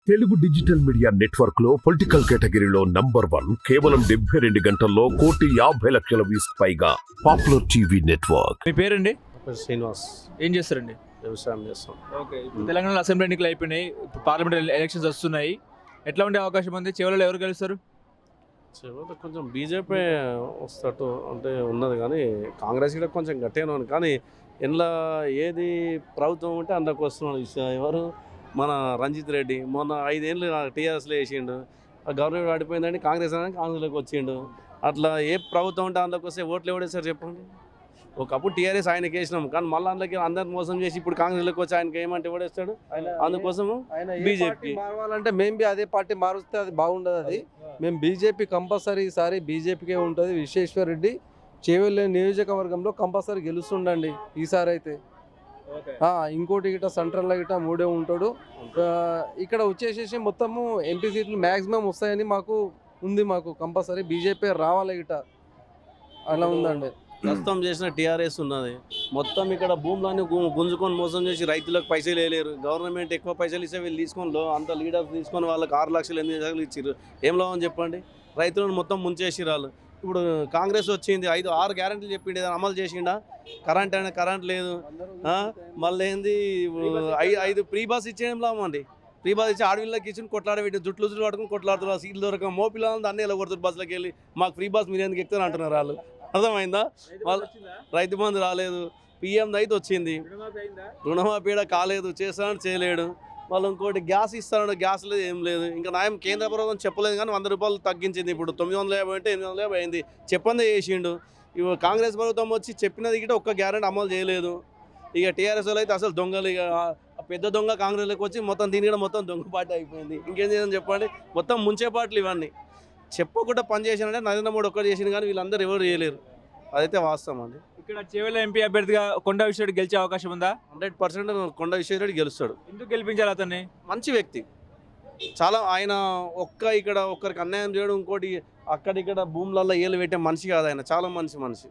Telugu digital media network లో political కేటగిరీలో #1 కేవలం 72 గంటల్లో 1,50,00,000 వ్యూస్ పైగా పాపులర్ టీవీ నెట్వర్క్. మీ పేరండి? శ్రీనివాస్. ఏం చేస్తారండి? వ్యవసాయం చేస్తాం. ఓకే. తెలంగాణలో అసెంబ్లీ ఎన్నికలు అయిపోయినాయి, ఇప్పుడు పార్లమెంట్ ఎలక్షన్స్ వస్తున్నాయి. ఎట్లా ఉండే అవకాశం ఉంది? చివరిలో ఎవరు గెలుస్తారు? చివరిలో కొంచెం బీజేపీ వస్తట్టు అంటే ఉన్నది, కానీ కాంగ్రెస్ కూడా కొంచెం గట్టిగానే ఉంది. కానీ ఇందులో ఏది ప్రభుత్వం ఉంటే అందులోకి వస్తున్నాడు. ఎవరు మన రంజిత్ రెడ్డి మొన్న 5 ఏళ్ళు టీఆర్ఎస్లో వేసిండు, గవర్నమెంట్ పడిపోయిందని కాంగ్రెస్లోకి వచ్చిండు. అట్లా ఏ ప్రభుత్వం ఉంటే అందులోకి వస్తే ఓట్లు ఎవడేస్తారు చెప్పండి? ఒకప్పుడు టీఆర్ఎస్ ఆయనకి వేసినాం, కానీ మళ్ళీ అందులోకి అందరిని మోసం చేసి ఇప్పుడు కాంగ్రెస్లోకి వచ్చి ఆయనకి ఏమంటే ఎవడేస్తాడు? అందుకోసము బీజేపీ మారవాలంటే మేము బి అదే పార్టీ మారుస్తే అది బాగుండదు. అది మేము బీజేపీ కంపల్సరీ ఈసారి బీజేపీకే ఉంటుంది. విశ్వేశ్వర్ రెడ్డి చేవెళ్ళ నియోజకవర్గంలో కంపల్సరీ గెలుస్తుండండి ఈసారి అయితే. ఇంకోటి గిట్ట సెంట్రల్లో గిట్ట 3 ఉంటాడు. ఇక్కడ వచ్చేసేసి మొత్తము ఎంపీ సీట్లు మ్యాక్సిమం వస్తాయని మాకు ఉంది. మాకు కంపల్సరీ బీజేపీ రావాలి గిట్ట, అలా ఉందండి. ప్రస్తుతం చేసిన టీఆర్ఎస్ ఉన్నది మొత్తం ఇక్కడ భూములన్నీ గుంజుకొని మోసం చేసి రైతులకు పైసలు వేయలేరు. గవర్నమెంట్ ఎక్కువ పైసలు ఇస్తే వీళ్ళు తీసుకొని అంత లీడర్స్ తీసుకొని వాళ్ళకి 6 లక్షలు 8 లక్షలు ఇచ్చారు. ఏం లాభం చెప్పండి? రైతులను మొత్తం ముంచేసి వాళ్ళు. ఇప్పుడు కాంగ్రెస్ వచ్చింది, 5-6 గ్యారెంటీలు చెప్పిండి, అమలు చేసిండా? కరెంట్ అయినా కరెంట్ లేదు. మళ్ళీ ఏంది 5 ఫ్రీ బస్ ఇచ్చేయడం లాభం అండి. ఫ్రీ బస్ ఇచ్చి ఆడవిళ్ళకి ఇచ్చి కొట్లాడబెట్టి జుట్లు పట్టుకుని కొట్లాడుతున్నారు. సీట్లు దొరక మోపిల్లని అన్నీ ఇలా కొడుతారు బస్సులోకి వెళ్ళి. మాకు ఫ్రీ బస్ మీరు ఎందుకు ఎక్కుతారు అంటున్నారు వాళ్ళు. అర్థమైందా? వాళ్ళు రైతు బంధు రాలేదు, పిఎం అయితే వచ్చింది, రుణమాఫీ కాలేదు, చేస్తానని చేయలేడు. వాళ్ళు ఇంకోటి గ్యాస్ ఇస్తాడు, గ్యాస్ లేదు, ఏం లేదు. ఇంకా న్యాయం కేంద్ర ప్రభుత్వం చెప్పలేదు, కానీ 100 రూపాయలు తగ్గించింది. ఇప్పుడు 950 అంటే 850 అయింది. చెప్పందే చేసిండు. ఇవి కాంగ్రెస్ ప్రభుత్వం వచ్చి చెప్పినది గిట్ట ఒక్క గ్యారెంటీ అమలు చేయలేదు. ఇక టీఆర్ఎస్ వాళ్ళు అయితే అసలు దొంగలు. ఇక పెద్ద దొంగ కాంగ్రెస్లోకి వచ్చి మొత్తం దీని కూడా మొత్తం దొంగ పార్టీ అయిపోయింది. ఇంకేం చేయాలని చెప్పండి? మొత్తం ముంచే పార్టీలు ఇవన్నీ. చెప్పకుండా పని చేసినంటే నరేంద్ర మోడీ ఒక్కరు చేసింది, కానీ వీళ్ళందరూ ఎవరు చేయలేరు. అదైతే వాస్తవం అండి. ఇక్కడ చేవెళ్ళ ఎంపీ అభ్యర్థిగా కొండ విశ్వరెడ్డి గెలిచే అవకాశం ఉందా? 100% కొండ విశ్వేశ్వరరెడ్డి గెలుస్తాడు. ఎందుకు గెలిపించాలి అతన్ని? మంచి వ్యక్తి చాలా. ఆయన ఇక్కడ ఒక్కరికి అన్యాయం చేయడం, ఇంకోటి అక్కడిక్కడ భూములలో ఏళ్ళు పెట్టే మనిషి కాదు ఆయన. చాలా మంచి మనిషి,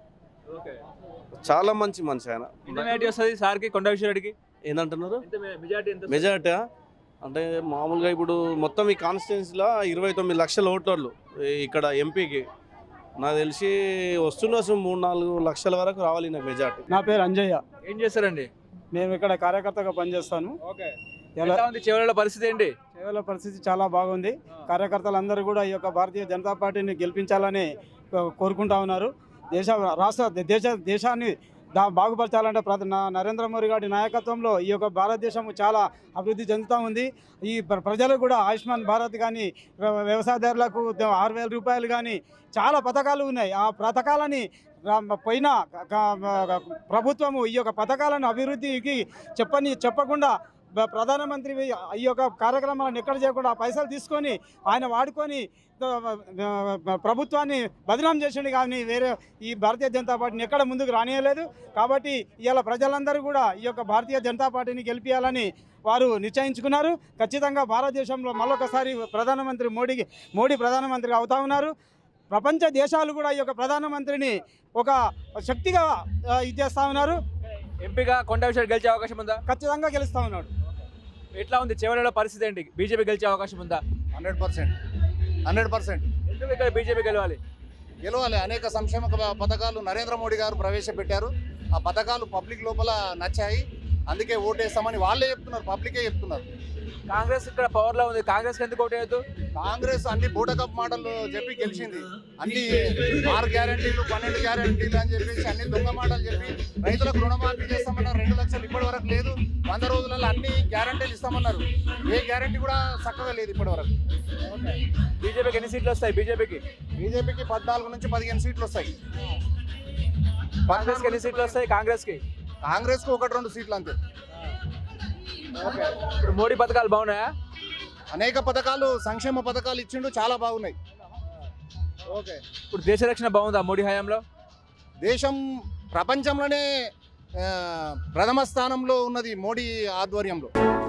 చాలా మంచి మనిషి ఆయన. మెజారిటీ వస్తుంది సార్కి, కొండ విశ్వరెడ్డికి ఏంటంటున్నారు? మెజారిటీ అంటే మామూలుగా ఇప్పుడు మొత్తం ఈ కాన్స్టిట్యున్సీలో 29 లక్షల ఓటర్లు ఇక్కడ ఎంపీకి. నాకు తెలిసి వస్తున్న 3-4 లక్షల వరకు రావాలి నాకు మెజార్టీ. నా పేరు అంజయ్య. ఏం చేస్తారండి? నేను ఇక్కడ కార్యకర్తగా పనిచేస్తాను. చివరిలో పరిస్థితి ఏంటి? కేవల పరిస్థితి చాలా బాగుంది. కార్యకర్తలందరూ కూడా ఈ యొక్క భారతీయ జనతా పార్టీని గెలిపించాలని కోరుకుంటా ఉన్నారు. దేశాన్ని బాగుపరచాలంటే నరేంద్ర మోడీ గారి నాయకత్వంలో ఈ యొక్క భారతదేశం చాలా అభివృద్ధి చెందుతూ ఉంది. ఈ ప్రజలకు కూడా ఆయుష్మాన్ భారత్ కానీ, వ్యవసాయదారులకు 6,000 రూపాయలు కానీ చాలా పథకాలు ఉన్నాయి. ఆ పథకాలని పోయిన ప్రభుత్వము ఈ యొక్క పథకాలను అభివృద్ధికి చెప్పకుండా ప్రధానమంత్రి ఈ యొక్క కార్యక్రమాలను ఎక్కడ చేయకుండా పైసలు తీసుకొని ఆయన వాడుకొని ప్రభుత్వాన్ని బదనాం చేసిండు, కానీ వేరే ఈ భారతీయ జనతా పార్టీని ఎక్కడ ముందుకు రానియలేదు. కాబట్టి ఇవాళ ప్రజలందరూ కూడా ఈ యొక్క భారతీయ జనతా పార్టీని గెలిపించాలని వారు నిశ్చయించుకున్నారు. ఖచ్చితంగా భారతదేశంలో మరొకసారి మోడీ ప్రధానమంత్రి అవుతా ఉన్నారు. ప్రపంచ దేశాలు కూడా ఈ యొక్క ప్రధానమంత్రిని ఒక శక్తిగా ఇచ్చేస్తూ ఉన్నారు. ఎంపీగా కొండ విశ్వరెడ్డి గెలిచే అవకాశం ఉందా? ఖచ్చితంగా గెలుస్తూ ఉన్నాడు. ఎట్లా ఉంది చివరిలో పరిస్థితి ఏంటి? బీజేపీ గెలిచే అవకాశం ఉందా? 100%. ఎందుకు ఇక్కడ బీజేపీ గెలవాలి? అనేక సంక్షేమ పథకాలు నరేంద్ర మోడీ గారు ప్రవేశపెట్టారు. ఆ పథకాలు పబ్లిక్ లోపల నచ్చాయి, అందుకే ఓటేస్తామని వాళ్ళే చెప్తున్నారు, పబ్లికే చెప్తున్నారు. కాంగ్రెస్ ఇక్కడ పవర్లో ఉంది, కాంగ్రెస్ ఎందుకు ఓటేయద్దు? కాంగ్రెస్ అన్ని బూటకప్ మాటలు చెప్పి గెలిచింది. అన్ని 6 గ్యారెంటీలు 12 గ్యారెంటీలు అని చెప్పేసి అన్ని దొంగ మాటలు చెప్పి రైతులకు రుణమాఫీ చేస్తామన్నారు. 2 లక్షలు ఇప్పటి వరకు లేదు. 100 రోజులలో అన్ని గ్యారెంటీలు ఇస్తామన్నారు. ఏ గ్యారెంటీ కూడా చక్కగా లేదు ఇప్పటి వరకు. బీజేపీకి ఎన్ని సీట్లు వస్తాయి? బీజేపీకి 14 నుంచి 15 సీట్లు వస్తాయి. కాంగ్రెస్కి ఎన్ని సీట్లు వస్తాయి? కాంగ్రెస్కి 1-2 సీట్లు అంతే. ఇప్పుడు మోడీ పథకాలు బాగున్నాయా? అనేక పథకాలు, సంక్షేమ పథకాలు ఇచ్చిండు, చాలా బాగున్నాయి. ఇప్పుడు దేశ రక్షణ బాగుందా మోడీ హయాంలో? దేశం ప్రపంచంలోనే ప్రథమ స్థానంలో ఉన్నది మోడీ ఆధ్వర్యంలో.